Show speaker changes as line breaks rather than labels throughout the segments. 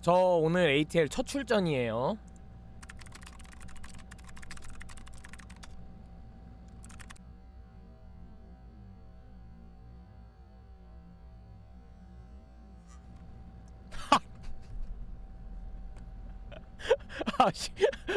저 오늘 ATL 첫 출전이에요. 아씨.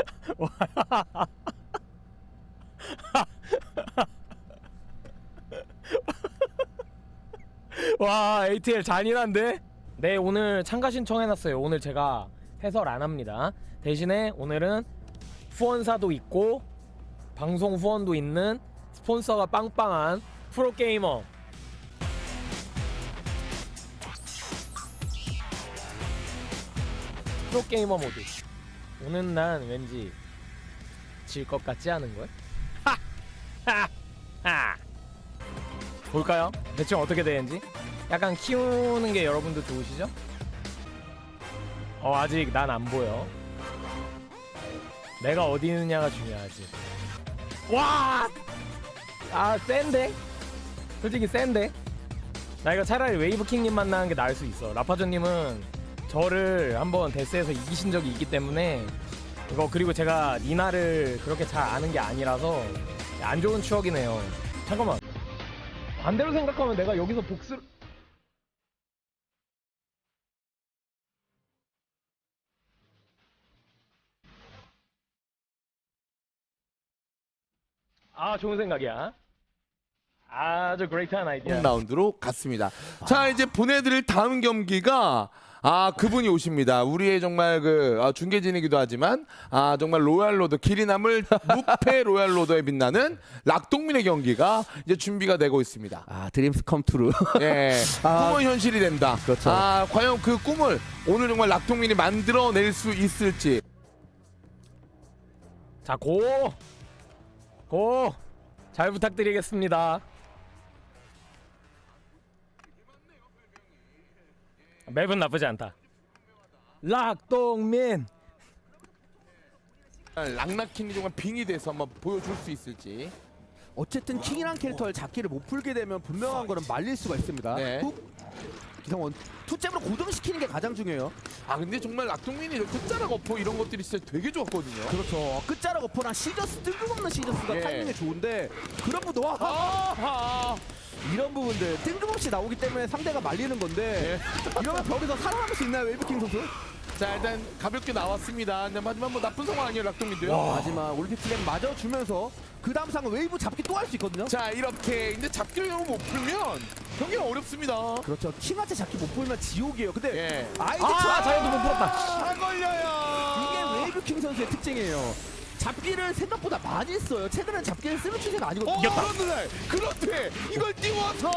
와, ATL 잔인한데? 네, 오늘 참가 신청해놨어요. 오늘 제가 해설 안 합니다. 대신에 오늘은 후원사도 있고 방송 후원도 있는 스폰서가 빵빵한 프로게이머 모드. 오늘 난 왠지 질 것 같지 않은걸? 하하하. 볼까요? 대충 어떻게 되는지? 약간 키우는 게 여러분도 좋으시죠? 아직 난 안 보여. 내가 어디 있느냐가 중요하지. 와! 아, 센데? 솔직히 센데? 나 이거 차라리 웨이브킹님 만나는 게 나을 수 있어. 라파조님은 저를 한번 데스에서 이기신 적이 있기 때문에 이거, 그리고 제가 니나를 그렇게 잘 아는 게 아니라서 안 좋은 추억이네요. 잠깐만, 반대로 생각하면 내가 여기서 복수를... 아, 좋은 생각이야. 아주 그레이트한 아이디어.
라운드로 갔습니다. 자, 이제 보내드릴 다음 경기가 그분이 오십니다. 우리의 정말 중계진이기도 하지만 정말 로얄로드, 길이 남을 무패 로얄로드에 빛나는 락동민의 경기가 이제 준비가 되고 있습니다.
드림스 컴 트루.
예, 꿈은 현실이 된다.
그렇죠.
과연 그 꿈을 오늘 정말 락동민이 만들어낼 수 있을지.
자, 고! 잘 부탁드리겠습니다. 맵은 나쁘지 않다. 락동민!
락나킨이 정말 빙이 돼서 한번 보여줄 수 있을지.
어쨌든 킹이란 캐릭터를 잡기를 못 풀게 되면 분명한 거는 말릴 수가 있습니다.
네.
기성원 투잽으로 고정시키는 게 가장 중요해요.
근데 정말 락동민이 끝자락 어퍼 이런 것들이 진짜 되게 좋았거든요.
그렇죠. 끝자락 어퍼랑 시저스, 뜬금없는 시저스가
예.
타이밍이 좋은데 그런 부분 이런 부분들 뜬금없이 나오기 때문에 상대가 말리는 건데 이러면 벽에서 살아남을 수 있나요, 웨이브킹 선수?
자, 일단 가볍게 나왔습니다. 근데 하지만 뭐 나쁜 상황 아니에요, 락동민도요.
마지막 올림픽 플랜 맞아주면서 그 다음 상은 웨이브 잡기 또 할 수 있거든요.
자, 이렇게 근데 잡기를 너무 못 풀면 경기가 어렵습니다.
그렇죠. 킹한테 잡기 못 풀면 지옥이에요. 근데
예.
자이언트 못 풀었다.
안 걸려요.
이게 웨이브킹 선수의 특징이에요. 잡기를 생각보다 많이 써요. 최근엔 잡기를 쓰는 추세가 아니거든요.
그렇대. 이걸 띄워서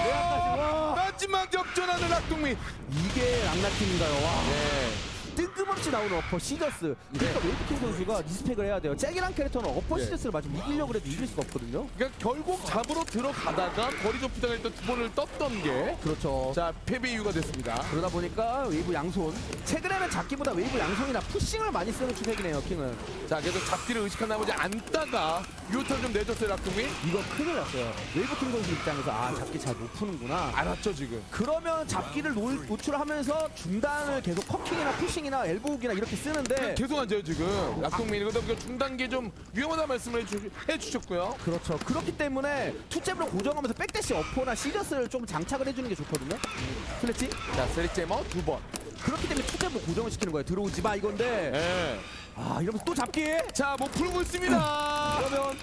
마지막 역전하는 락동민.
이게 락나팀인가요? 와.
네.
뜬금없이 나오는 어퍼 시저스. 그러니까 웨이브킹 선수가 리스펙을 해야 돼요. 잭이란 캐릭터는 어퍼
네.
시저스를 맞으면 이기려고 해도 이길 수가 없거든요.
그러니까 결국 잡으러 들어가다가 거리 좁히다가 일단 두 번을 떴던 게
그렇죠.
자, 패배 이유가 됐습니다.
그러다 보니까 웨이브 양손. 최근에는 잡기보다 웨이브 양손이나 푸싱을 많이 쓰는 추세이네요, 킹은.
자, 계속 잡기를 의식한 나머지 안다가 유턴 좀 내줬어요, 락동민.
이거 큰일 났어요. 웨이브킹 선수 입장에서 잡기 잘 못 푸는구나.
알았죠, 지금.
그러면 잡기를 노출하면서 중단을 계속 커킹이나 푸싱이나 엘보우기나 이렇게 쓰는데
계속 앉아요, 지금. 락동민. 그다음 중단기 좀 위험하다 말씀을 해주셨고요.
그렇죠. 그렇기 때문에 투잽으로 고정하면서 백대시 어퍼나 시저스를 좀 장착을 해주는 게 좋거든요. 플래치?
자, 세리제머 두 번.
그렇기 때문에 투잽으로 고정을 시키는 거예요. 들어오지 마 이건데.
예.
이러면서 또 잡기.
자, 뭐 풀고 있습니다.
이러면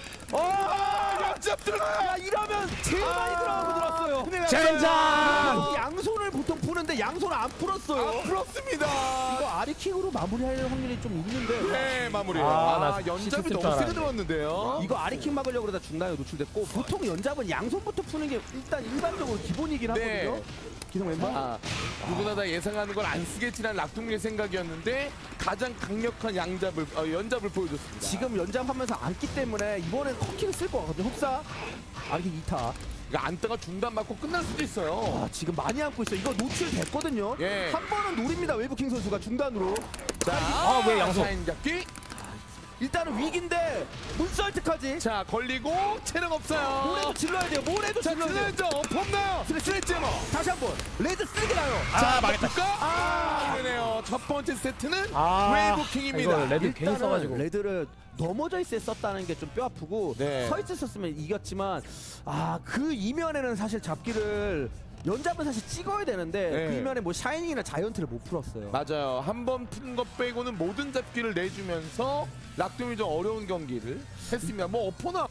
역잡 들어가요.
야 이러면 제일 많이 들어가고 들었어요. 근데
젠장!
양손을 보통 푸는데 양손을 안 풀었어요.
안 풀었습니다.
이거 아리킹으로 마무리할 확률이 좀 있는데.
네, 마무리해요.
나
연잡이
시스템 줄
너무 세게
알았는데.
들어왔는데요.
이거 아리킹 막으려고 그러다 중단에 노출됐고 보통 연잡은 양손부터 푸는 게 일단 일반적으로 기본이긴
네.
하거든요. 기성 멤버.
누구나 다 예상하는 걸 안 쓰겠지라는 락동민의 생각이었는데 가장 강력한 연잡을 보여줬습니다.
지금 연장하면서 안기 때문에 이번엔 커킹을 쓸 것 같거든요. 흡사 아리킹 2타.
그러니까 안다가 중단 맞고 끝날 수도 있어요.
지금 많이 안고 있어요. 이거 노출됐거든요.
예.
한 번은 노립니다. 웨이브킹 선수가 중단으로.
자,
왜 양손?
사인 잡기.
일단은 위기인데 문설트까지.
자 걸리고 체력 없어요.
모래도 질러야 돼요. 모래도
자
질러야 돼요.
질러야죠. 폼나요.
스레제머 다시 한번 레드 쓰게 나요.
자 망했다. 그러네요. 첫 번째 세트는
아,
웨이브킹입니다.
이거 레드 괜히
일단은
써가지고.
레드를 넘어져 있을 때 썼다는 게 좀 뼈 아프고
네.
서 있을 썼으면 이겼지만 그 이면에는 사실 잡기를 연잡은 사실 찍어야 되는데
네.
그 이면에 뭐 샤이닝이나 자이언트를 못 풀었어요.
맞아요. 한 번 푼 것 빼고는 모든 잡기를 내주면서 락둠이 좀 어려운 경기를 했습니다. 뭐 어퍼나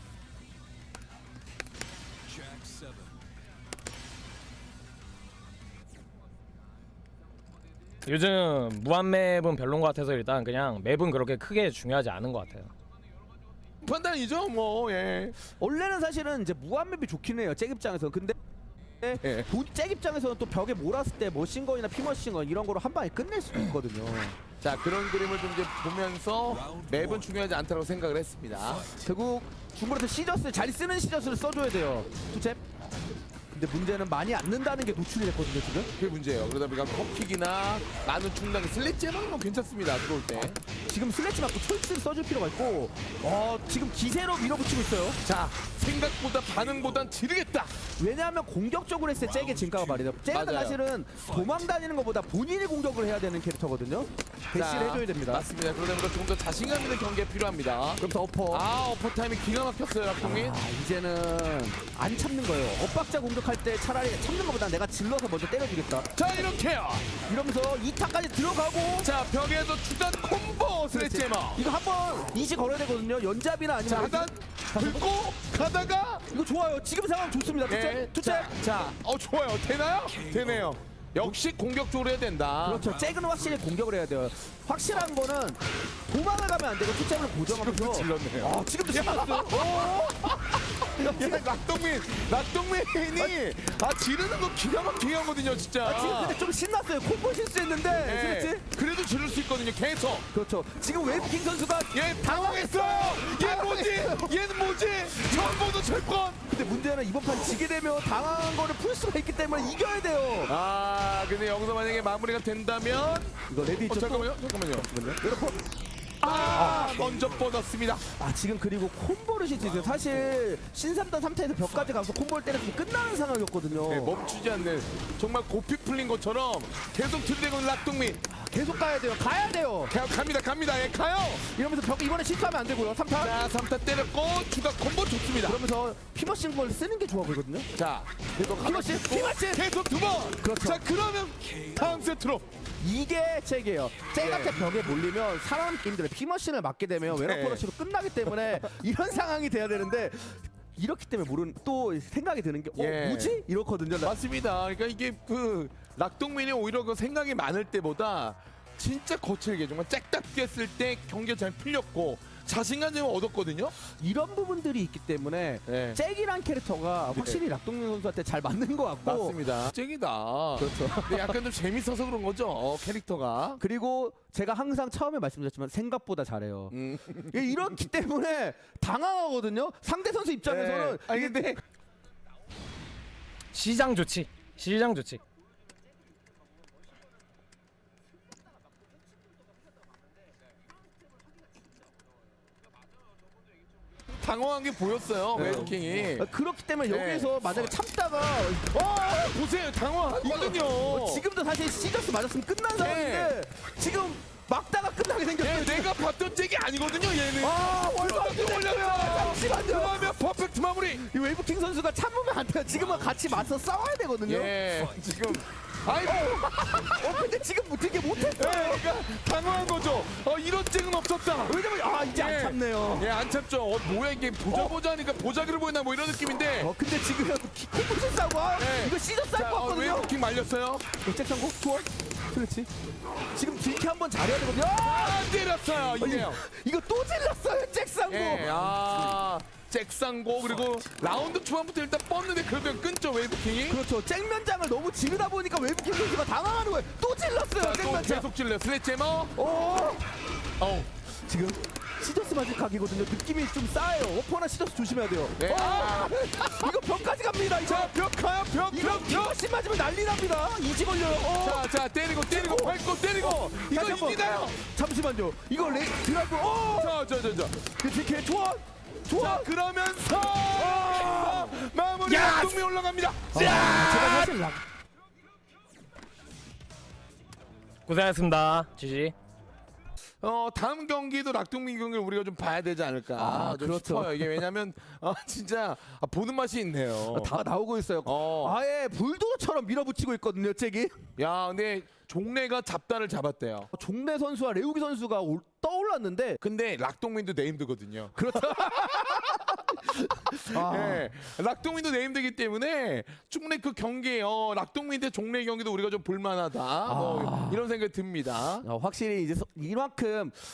요즘 무한맵은 별론 것 같아서 일단 그냥 맵은 그렇게 크게 중요하지 않은 것 같아요.
판단이죠. 뭐 예.
원래는 사실은 이제 무한맵이 좋긴 해요. 잭 입장에서. 근데
예.
잭 입장에서는 또 벽에 몰았을 때 머신건이나 피머신건 이런 거로 한 방에 끝낼 수도 있거든요.
자 그런 그림을 좀 이제 보면서 맵은 중요하지 않다고 생각을 했습니다.
결국 중거리에서 시저스 잘 쓰는 시저스를 써줘야 돼요. 투잽. 근데 문제는 많이 안 는다는 게 노출이 됐거든요 지금.
그게 문제예요. 그러다 보니까 컵킥이나 많은 충당이 슬릿제만 뭐 괜찮습니다. 들어올 때.
지금 슬래치 맞고 초이스를 써줄 필요가 있고 지금 기세로 밀어붙이고 있어요.
자 생각보다 반응보단 지르겠다.
왜냐하면 공격적으로 했을 때 잭의 진가가 말이죠. 잭은
맞아요.
사실은 도망 다니는 것보다 본인이 공격을 해야 되는 캐릭터거든요. 대시를
자,
해줘야 됩니다.
맞습니다. 그러다 보니까 조금 더 자신감 있는 경기가 필요합니다.
그럼 어퍼.
어퍼 타임이 기가 막혔어요. 박동민.
이제는 안 참는 거예요. 엇박자 공격할 때 차라리 참는 것보다 내가 질러서 먼저 때려주겠다.
자 이렇게요.
이러면서 2타까지 들어가고.
자 벽에서 주단 콤보 슬릿제머.
이거 한번 이시 걸어야 되거든요. 연잡이나 아니면
자 하단 긁고 가다가
이거 좋아요. 지금 상황 좋습니다. 투잽.
자 좋아요. 되나요? 되네요. 역시 공격적으로 해야 된다.
그렇죠. 잭은 확실히 공격을 해야 돼요. 확실한 거는 도망을 가면 안 되고 투잽을 고정하면서.
질렀네요.
지금도 신났어요.
낙동민이 지르는 거 기가 막히게 하거든요 진짜.
지금 근데 좀 신났어요. 콤보 실수했는데.
네.
그렇지?
그래도 지를 수 있거든요 계속.
그렇죠. 지금 웨이브킹 선수가
얘 당황했어요. 얘는 뭐지? 처음 보는 철권.
근데 문제는 이번 판 지게 되면 당황한 거를 풀 수가 있기 때문에 이겨야 돼요.
근데 여기서 만약에 마무리가 된다면
이거 레디 있죠?
잠깐만요.
여러분.
먼저 뻗었습니다.
지금 그리고 콤보를 실수했어요. 사실 신삼단 3타에서 벽까지 가서 콤보를 때렸으면 끝나는 상황이었거든요.
네, 멈추지 않는 정말 고삐 풀린 것처럼 계속 들이대고 있는 낙동민.
계속 가야 돼요. 가야 돼요.
갑니다. 예, 가요.
이러면서 벽 이번에 실수하면 안 되고요. 3타.
자, 3타 때렸고 추가 콤보 좋습니다.
그러면서 피머신 걸 쓰는 게 좋아 보이거든요.
자, 계속
피머신.
계속 두 번.
그렇죠.
자, 그러면 다음 세트로.
이게 잭이에요. 잭한테 벽에 몰리면 살아남기 힘들어요. 피머신을 맞게 되면 웨너퍼러시로 끝나기 때문에 이런 상황이 돼야 되는데 이렇기 때문에 또 생각이 드는 게
예.
뭐지? 이렇거든요.
맞습니다. 그러니까 이게 낙동민이 오히려 그 생각이 많을 때보다 진짜 거칠게 정말 짝답게 했을 때 경기가 잘 풀렸고 자신감 좀 얻었거든요.
이런 부분들이 있기 때문에
네.
잭이란 캐릭터가 확실히 낙동민 선수한테 잘 맞는 것 같고
맞습니다. 잭이다.
그렇죠.
근데 약간 좀 재밌어서 그런 거죠. 캐릭터가.
그리고 제가 항상 처음에 말씀드렸지만 생각보다 잘해요. 이렇기 때문에 당황하거든요. 상대 선수 입장에서는
아니 근데
시장 좋지.
당황한 게 보였어요.
네.
웨이킹이.
그렇기 때문에
네.
여기서 만약에 참다가
보세요. 당황하거든요.
지금도 사실 시저스 맞았으면 끝난 상황인데 지금 막다가 끝나게 생겼어요.
내가 봤던 잭이 아니거든요. 얘는.
얼마 안
올렸어요.
잠시만요.
그러면 퍼펙트 마무리.
이 웨이브킹 선수가 참으면 안 돼요. 지금은 같이 맞서 싸워야 되거든요.
예. 지금 아이고.
근데 지금 되게 못했어요.
그러니까 당황한 거죠. 이런 잭은 없었다.
왜냐면 이제 안 참네요.
예, 안 참죠. 뭐야 이게 보자 하니까 보자기를 보이나 뭐 이런 느낌인데.
근데 지금 콤보를 싸고
네.
이거 시저스 할 것 같거든요.
웨이킹 말렸어요.
잭 상고 투원. 그렇지. 지금 딜키 한번 잘해야 되거든요.
때렸어요. 이네요.
이거 또 질렀어요. 잭 상고.
예, 잭상고 그리고 라운드 초반부터 일단 뻗는데 그러면 끊죠 웨이브킹이.
그렇죠. 잭면장을 너무 지르다 보니까 웨이브킹 선수가 당황하는 거예요. 또 질렀어요.
또
잭면장.
계속 찔러 슬래제머.
지금 시저스 맞을 각이거든요. 느낌이 좀 싸요. 오퍼나 시저스 조심해야 돼요.
네.
이거 벽까지 갑니다. 이거
벽 가요.
이거 피머신 맞으면 난리 납니다. 이지 걸려요.
자 때리고 밟고 때리고 이거
다시 한번.
이기나요?
잠시만요. 이거 드라이브.
자.
그 좋아.
자 그러면서 마무리
야스!
낙동미 올라갑니다.
제가 사실
고생하셨습니다. 지지.
다음 경기도 낙동민 경기를 우리가 좀 봐야 되지 않을까 좀
그렇죠.
싶어요. 이게 왜냐면 진짜 보는 맛이 있네요.
다 나오고 있어요. 아예 불도저처럼 밀어붙이고 있거든요, 잭이.
야 근데 종래가 잡다를 잡았대요.
종래 선수와 레우기 선수가 떠올랐는데
근데 낙동민도 네임드거든요.
그렇죠.
네, 낙동민도 네임드기 때문에 충분히 그 경기 낙동민 대 종래 경기도 우리가 좀 볼만하다 뭐 이런 생각이 듭니다.
확실히 이제 이만큼